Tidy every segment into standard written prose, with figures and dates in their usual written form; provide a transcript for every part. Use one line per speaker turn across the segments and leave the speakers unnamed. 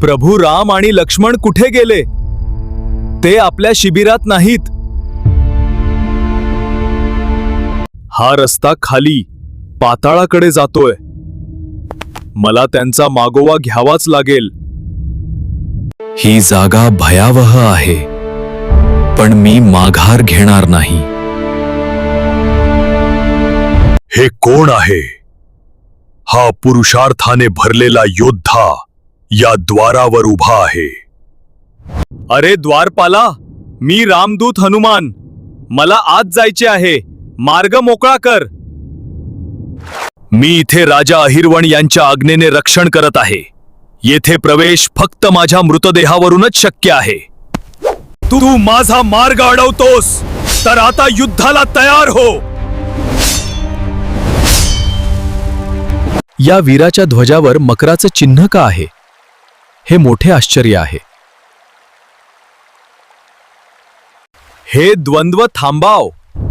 प्रभू राम आणि लक्ष्मण कुठे गेले? ते आपल्या शिबिरात नाहीत. हा रस्ता खाली पाताळाकडे जातोय. मला त्यांचा मागोवा घ्यावाच लागेल. ही जागा भयावह आहे, पण मी माघार घेणार नाही. हे कोण आहे? हा पुरुषार्थाने भरलेला योद्धा या द्वारावर उभा आहे. अरे द्वारपाला, मी रामदूत हनुमान. मला आत जायचे आहे. मार्ग मोकळा कर. मी इथे राजा अहिरवण यांच्या आज्ञेने रक्षण करत आहे. येथे प्रवेश फक्त माझ्या मृतदेहावरूनच शक्य आहे. तू माझा मार्ग अडवतोस तर आता युद्धाला तयार हो. या वीराच्या ध्वजावर मकराचं चिन्ह का आहे? हे मोठे आश्चर्य आहे. हे द्वंद्व थांबाव.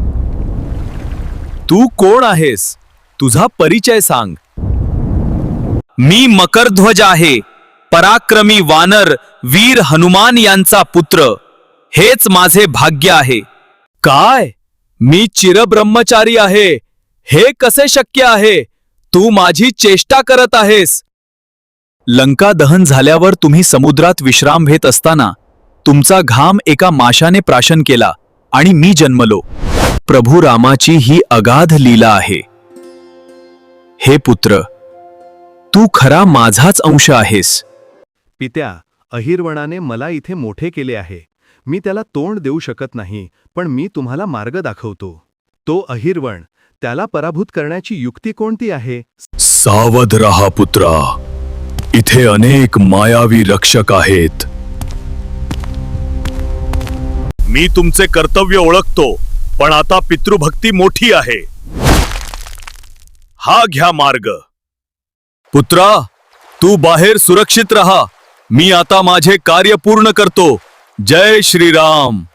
तू कोण आहेस? तुझा परिचय सांग. मी मकरध्वज आहे, पराक्रमी वानर वीर हनुमान यांचा पुत्र. हेच माझे भाग्य आहे. काय? मी चिरब्रह्मचारी आहे. हे कसे शक्य आहे? तू माझी चेष्टा करत आहेस. लंका दहन झाल्यावर तुम्ही समुद्रात विश्राम घेत असताना तुमचा घाम एका माशाने प्राशन केला आणि मी जन्मलो. प्रभू रामाची ही अगाध लीला आहे. हे पुत्र, तू खरा माझाच अंश आहेस.
पित्या, अहिरवणाने मला इथे मोठे केले आहे. मी त्याला तोंड देऊ शकत नाही, पण मी तुम्हाला मार्ग दाखवतो. तो अहिरवण, त्याला पराभूत करण्याची युक्ती कोणती आहे?
सावध रहा पुत्रा. इथे अनेक मायावी रक्षक आहेत. मी तुमचे कर्तव्य ओळखतो, पण आता पितृभक्ती मोठी आहे. हा घ्या मार्ग. पुत्रा, तू बाहेर सुरक्षित रहा. मी आता माझे कार्य पूर्ण करतो. जय श्रीराम.